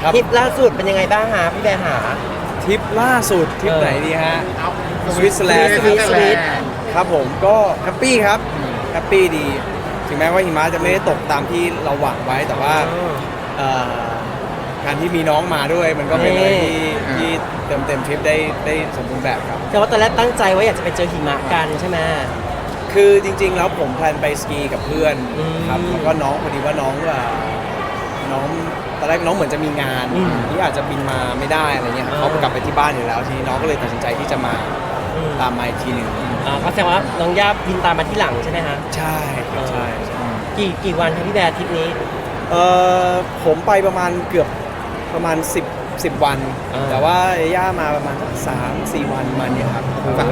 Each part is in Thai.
ทริปล่าสุดเป็นยังไงบ้างฮะพี่แบร์หาทริปล่าสุดทริปไหนดีฮะสวิตเซอร์แลนด์สวิตครับผมก็แฮปปี้ครับแฮปปี้ดีถึงแม้ว่าหิมะจะไม่ได้ตกตามที่เราหวังไว้แต่ว่าเอ่อการที่มีน้องมาด้วยมันก็เป็นอะไรที่เต็มทริปได้สมบูรณ์แบบครับแต่ว่าตอนแรกตั้งใจว่าอยากจะไปเจอหิมะกันใช่ไหมคือจริงๆแล้วผมแพลนไปสกีกับเพื่อนครับอืมแล้วก็น้องพอดีว่าน้องตอนแรกน้องเหมือนจะมีงานอืมที่อาจจะบินมาไม่ได้อะไรเงี้ยเขากลับไปที่บ้านอยู่แล้วทีนี้น้องก็เลยตัดสินใจที่จะมาตามมาอีกทีหนึ่งก็แสดงว่าน้องย่าบินตามมาที่หลังใช่ไหมฮะใช่ครับใช่กี่วันครับพี่แบร์ทริปนี้ผมไปประมาณเกือบประมาณ10 วัน แต่ว่าย่ามาประมาณสัก3-4 วันประมาณเนี้ยครับ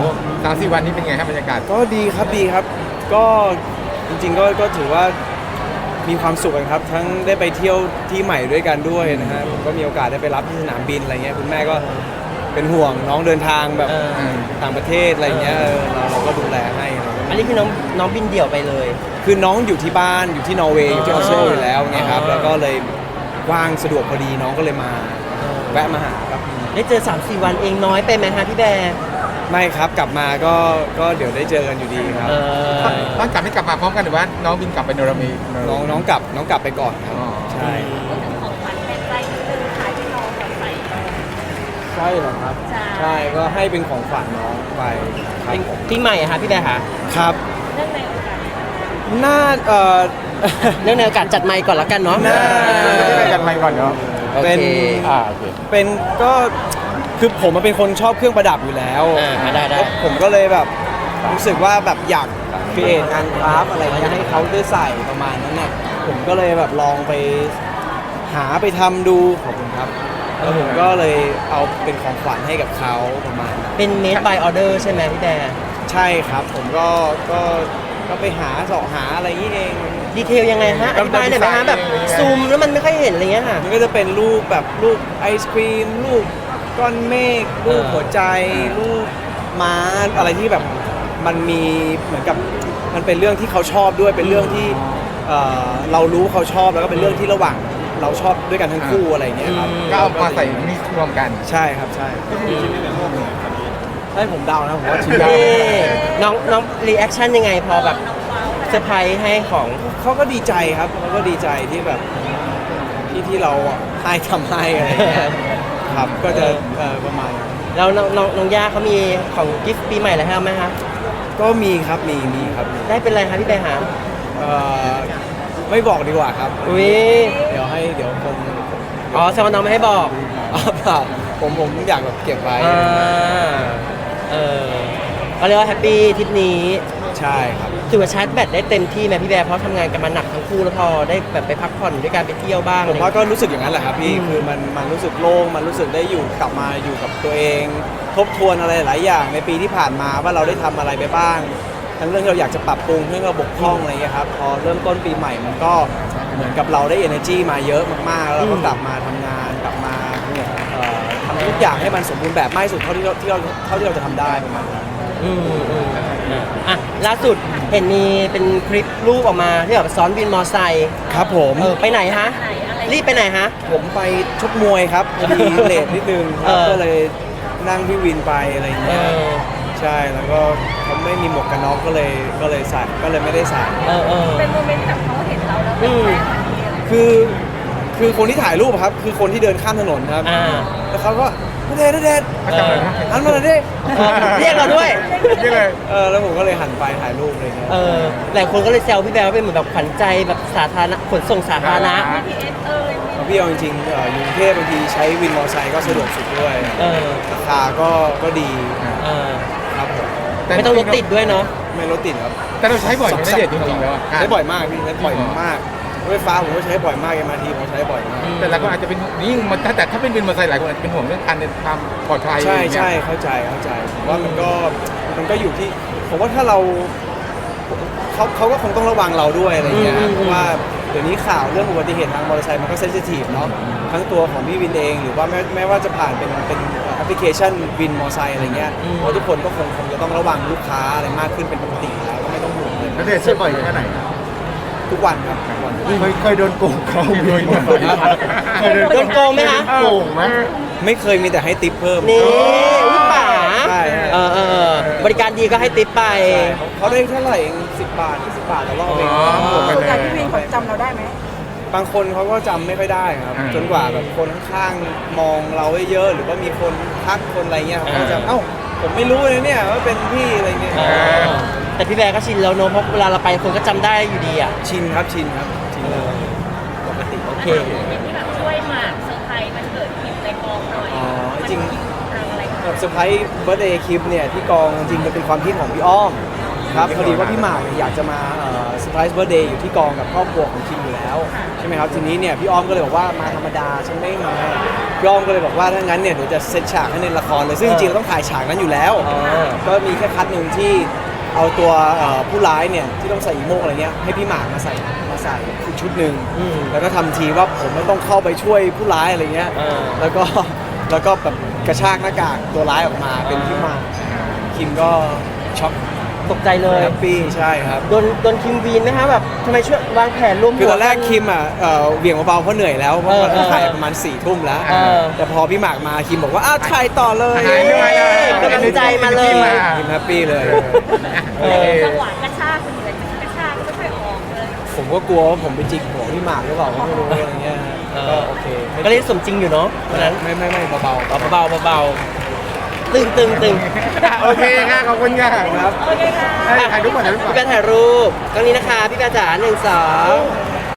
3-4 วันนี้เป็นไงครับบรรยากาศก็ดีครับ ก็จริงๆก็ถือว่ามีความสุขกันครับ ทั้งได้ไปเที่ยวที่ใหม่ด้วยกันด้วยนะฮะผมก็มีโอกาสได้ไปรับที่สนามบินอะไรเงี้ยคุณแม่ก็เป็นห่วงน้องเดินทางแบบต่างประเทศอะไรเงี้ยเราก็ดูแลให้อะไรเงี้ยอันนี้คือน้องบินเดี่ยวไปเลยคือน้องอยู่ที่บ้านอยู่ที่นอร์เวย์อยู่ที่ออสเตรเลียอยู่แล้วไงครับแล้วก็เลยว่างสะดวกพอดีน้องก็เลยมาแวะมาหาครับได้เจอ 3-4 วันเองน้อยไปไหมฮะพี่แบร์ไม่ครับกลับมาก็เดี๋ยวได้เจอกันอยู่ดีครับตอนกลับไม่กลับมาพร้อมกันหรือว่าน้องบินกลับไปโนรามีน้องกลับไปก่อนครับอ๋อใช่ของขวัญเป็นใจนิดนึงค่ะที่น้องแบบใส่ใช่เหรอครับใช่ก็ให้เป็นของขวัญน้องไปครับผมปีใหม่อะฮะพี่แบร์ฮะครับเรื่องในโอกาสน่าเรื่องในโอกาสจัดไมค์ก่อนละกันเนาะน่าได้กันไปก่อนเนาะเป็นโอเคโอเคเป็นก็คือผมเป็นคนชอบเครื่องประดับอยู่แล้วได้แล้วผมก็เลยแบบรู้สึกว่าแบบอยากครีเอทงานคราฟต์อะไรเงี้ยให้เขาได้ใส่ประมาณนั้นน่ะผมก็เลยแบบลองไปหาไปทำดูขอบคุณครับแล้วผมก็เลยเอาเป็นของขวัญให้กับเขาประมาณนั้นเป็น made by order ใช่ไหมพี่แบร์ใช่ครับผมก็ไปหาเสาะหาอะไรอย่างนี้เองดีเทลยังไงฮะอธิบายหน่อยไหมฮะแบบซูมแล้วมันไม่ค่อยเห็นอะไรเงี้ยค่ะมันก็จะเป็นรูปแบบรูปไอศครีมรูปก้อนเมฆรูปหัวใจรูปม้าอะไรที่แบบมันมีเหมือนกับมันเป็นเรื่องที่เขาชอบด้วยเป็นเรื่องที่เรารู้เขาชอบแล้วก็เป็นเรื่องที่ระหว่างเราชอบด้วยกันทั้งคู่อะไรอย่างเงี้ยครับก็เอามาใส่มิกซ์รวมกันใช่ครับใช่ให้ผมเดานะผมว่าชิ้นนี่เดียวน้องรีแอคชั่นยังไงพอแบบเซอร์ไพรส์ให้ของเขาก็ดีใจครับเขาก็ดีใจที่แบบที่เราให้ทำให้อะไรอย่างเงี้ยครับก็จะประมาณนั้นแล้วน้องย่าเขามีของกิฟต์ปีใหม่อะไรให้เราไหมคะก็มีครับมีครับได้เป็นอะไรคะพี่แบร์หาเอ่อไม่บอกดีกว่าครับอุ้ยเดี๋ยวผมอ๋อแสดงว่าน้องไม่ให้บอกเปล่าผมอยากแบบเก็บไว้ก็เรียกว่าแฮปปี้ทริปนี้ใช่ครับถือว่าชาร์จแบตได้เต็มที่ไหมพี่แบร์เพราะทำงานกันมาหนักทั้งคู่แล้วพอได้แบบไปพักผ่อนด้วยการไปเที่ยวบ้างผมว่าก็รู้สึกอย่างนั้นแหละครับพี่อืมคือมันรู้สึกโล่งมันรู้สึกได้กลับมาอยู่กับตัวเอง ทบทวนอะไรหลายอย่างในปีที่ผ่านมาว่าเราได้ทำอะไรไปบ้าง ทั้งเรื่องที่เราอยากจะปรับปรุงเรื่องเราบกพร่องอะไรเงี้ยครับพอเริ่มต้นปีใหม่มันก็เหมือนกับเราได้ energy มาเยอะมากๆแล้วเราก็กลับมาทำงานกลับมาทำทุกอย่างให้มันสมบูรณ์แบบมากที่สุดเท่าที่เราจะทำได้ประมาณนั้นอ่ะล่าสุดเห็นมีเป็นคลิปรูปออกมาที่แบบซ้อนวินมอไซค์ครับผมไปไหนฮะ รีบไปไหนฮะผมไปชกมวยครับพอดีเลทนิดนึงครับเออก็เลยนั่งพี่วินไปอะไรอย่างเงี้ยใช่แล้วก็เขาไม่มีหมวกกันน็อกก็เลยใส่ก็เลยไม่ได้ใส่เป็นโมเมนต์แบบเขาเห็นเราแล้วเป็นแฟนทันทีเลยคือคนที่ถ่ายรูปอะครับคือคนที่เดินข้ามถนนครับ แล้วเขาก็ณเดชน์เขาจำเลยนะหันมาหน่อยดิเรียกเราด้วยนี่เลยแล้วผมก็เลยหันไปถ่ายรูปอะไรเงี้ยหลายคนก็เลยแซวพี่แบร์ว่าเป็นเหมือนแบบขวัญใจแบบสาธารณะขนส่งสาธารณะ BTS พี่เอาจริงๆอยู่กรุงเทพบางทีใช้วินมอเตอร์ไซค์ก็สะดวกสุดด้วย ราคาก็ดีครับผมไม่ต้องรถติดด้วยเนาะไม่รถติดครับแต่เราใช้บ่อยไหมณเดชน์จริงๆแล้วอะใช้บ่อยมากพี่ใช้บ่อยมากรถไฟฟ้าผมก็ใช้บ่อยมากMRTผมใช้บ่อยมากแต่หลายคนอาจจะเป็นยิ่งมันแต่ถ้าเป็นวินมอเตอร์ไซค์หลายคนอาจจะเป็นห่วงเรื่องการเดินทางปลอดภัยใช่อะไรอย่างเงี้ยใช่เข้าใจผมว่ามันก็อยู่ที่ผมว่าถ้าเราเขาก็คงต้องระวังเราด้วยอะไรเงี้ยเพราะว่าเดี๋ยวนี้ข่าวเรื่องอุบัติเหตุทางมอเตอร์ไซค์มันก็เซนซิทีฟเนาะทั้งตัวของพี่วินเองหรือว่าแม้ว่าจะผ่านเป็นแอปพลิเคชันวินมอเตอร์ไซค์อะไรเงี้ยเพราะทุกคนก็คงจะต้องระวังลูกค้าอะไรมากขึ้นเป็นปกติอยู่แล้วก็ไม่ต้องห่วงเลยณเดชน์ใช้บ่อยแค่ไหนกทุกวันครับทุกวันเคยโดนโกงเขาเคยโดนโกงไหมคะโกงไหมไม่เคยมีแต่ให้ติปเพิ่มนี่อุ้ยป๋าใช่บริการดีก็ให้ติปไปใช่เขาได้เท่าไหร่เอง10 บาท20 บาทต่อรอบเองอ๋อส่วนใหญ่พี่วินเขาจำเราได้ไหมบางคนเขาก็จำไม่ค่อยได้ครับ จนกว่าแบบคนข้างๆมองเราไว้เยอะหรือว่ามีคนทักคนอะไรเงี้ยเขาก็จะเอ้าผมไม่รู้เลยเนี่ยว่าเป็นพี่อะไรเงี้ยแต่พี่แบร์ก็ชินแล้วเนอะเพราะเวลาเราไปคนก็จำได้อยู่ดีอ่ะชินครับชินเลยปกติโอเคอย่างที่แบบช่วยหมากเซอร์ไพรส์มันเกิดคิมในกองหน่อยอ๋อจริงทางอะไรกันแบบเซอร์ไพรส์เบิร์ดเดย์คลิปเนี่ยที่กองจริงๆมันเป็นความคิดของพี่อ้อมครับพอดีว่าพี่หมากเนี่ยอยากจะมาเซอร์ไพรส์เบิร์ดเดย์อยู่ที่กองกับครอบครัวของคิมอยู่แล้วใช่ไหมครับทีนี้เนี่ยพี่อ้อมก็เลยบอกว่ามาธรรมดาฉันไม่มาพี่อ้อมก็เลยบอกว่าถ้างั้นเนี่ยเดี๋ยวจะเซตฉากให้ในละครเลยซึ่งจริงๆเราต้องถ่ายฉากนั้นอยู่แล้ว ก็มีแค่คัดหนึ่งที่เอาตัวผู้ร้ายเนี่ยที่ต้องใส่อีโมกอะไรเงี้ยให้พี่หมากมาใส่อีกชุดหนึ่งอืมแล้วก็ทำทีว่าผมไม่ต้องเข้าไปช่วยผู้ร้ายอะไรเงี้ย แล้วก็แบบกระชากหน้ากากตัวร้ายออกมาเป็นพี่หมากคิมก็ช็อกตกใจเลยแฮปปี้ใช่ครับโดนคิมวีนไหมคะแบบทำไมช่วยวางแผนร่วมคือตอนแรกคิมอ่ะเหวี่ยงเบาๆเพราะเหนื่อยแล้วเพราะมันถ่ายประมาณ4 ทุ่มแล้ว แต่พอพี่หมากมาคิมบอกว่าอ้าวถ่ายต่อเลยถ่ายด้วยเลยกำลังใจมาเลยคิมแฮปปี้เลยจังหวะกระชากคนอื่นกระชากก็ไม่ค่อยออกเลยผมก็กลัวว่าผมไปจิกหัวพี่หมากหรือเปล่าก็ไม่รู้อะไรเงี้ยฮะก็โอเคก็เล่นสมจริงอยู่เนาะวันนั้นไม่เบาเบาเบาตึงโอเคค่ะขอบคุณค่ะๆครับโอเคค่ะถ่ายรูปก่อนถ่ายรูปก่อนพี่แบร์ถ่ายรูปกล้องนี้นะคะพี่แบร์จ๋า1 2